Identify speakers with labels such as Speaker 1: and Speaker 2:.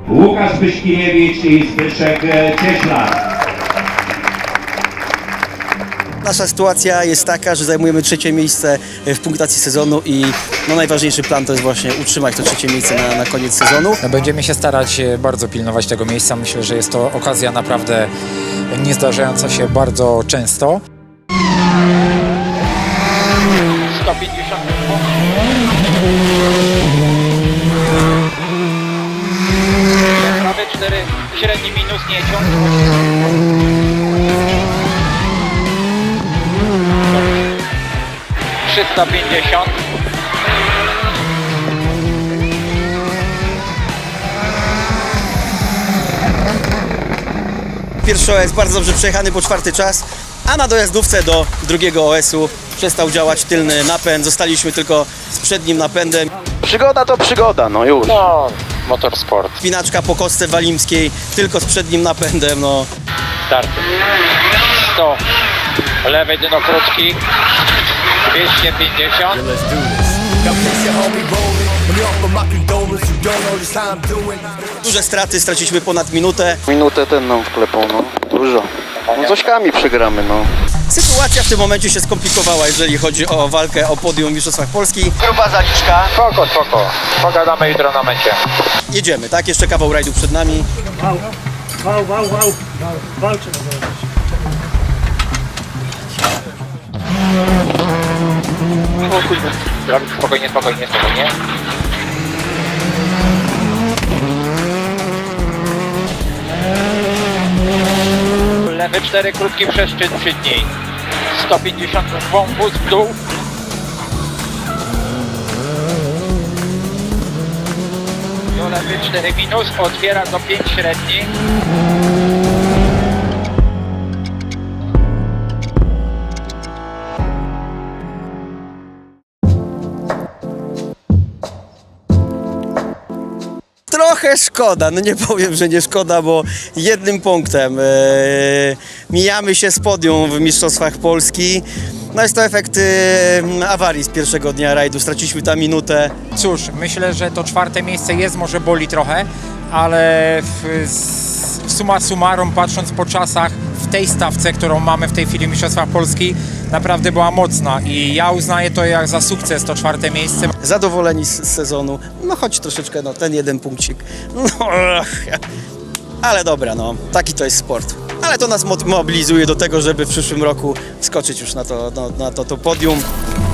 Speaker 1: Łukasz Byśkiniewicz i Zbyszek Cieślar.
Speaker 2: Nasza sytuacja jest taka, że zajmujemy trzecie miejsce w punktacji sezonu i najważniejszy plan to jest właśnie utrzymać to trzecie miejsce na koniec sezonu.
Speaker 3: Będziemy się starać bardzo pilnować tego miejsca. Myślę, że jest to okazja naprawdę nie zdarzająca się bardzo często.
Speaker 4: 150. Prawy 4, średni minus, nie ciąg. 350.
Speaker 2: Pierwszy OS bardzo dobrze przejechany po czwarty czas, a na dojazdówce do drugiego OS-u przestał działać tylny napęd. Zostaliśmy tylko z przednim napędem.
Speaker 5: Przygoda to przygoda, no już.
Speaker 4: No, motorsport.
Speaker 2: Spinaczka po kostce walimskiej, tylko z przednim napędem.
Speaker 4: Starty. 100. Lewy dno krótki. 250.
Speaker 2: Duże straty, straciliśmy ponad minutę.
Speaker 5: Minutę ten nam wklepał, no. Dużo. No z ośkami przegramy, no.
Speaker 2: Sytuacja w tym momencie się skomplikowała, jeżeli chodzi o walkę o podium w Mistrzostwach Polski. Gruba zaliczka.
Speaker 4: Spoko. Pogadamy jutro na mecie.
Speaker 2: Jedziemy, tak? Jeszcze kawał rajdu przed nami.
Speaker 6: Wał. Walczy na
Speaker 4: Spokojnie. Lewy 4, krótki przeszczyn przy dni. 150 wąwóz w dół. Do lewy 4 minus, otwiera do 5 średni.
Speaker 2: Trochę szkoda, nie powiem, że nie szkoda, bo jednym punktem mijamy się z podium w Mistrzostwach Polski. Jest to efekt awarii z pierwszego dnia rajdu, straciliśmy tam minutę.
Speaker 3: Cóż, myślę, że to czwarte miejsce może boli trochę, ale summa summarum, patrząc po czasach, w tej stawce, którą mamy w tej chwili w Mistrzostwach Polski, naprawdę była mocna i ja uznaję to jak za sukces, to czwarte miejsce.
Speaker 2: Zadowoleni z sezonu, choć troszeczkę ten jeden punkcik. Ale dobra, taki to jest sport. Ale to nas mobilizuje do tego, żeby w przyszłym roku skoczyć już na to podium.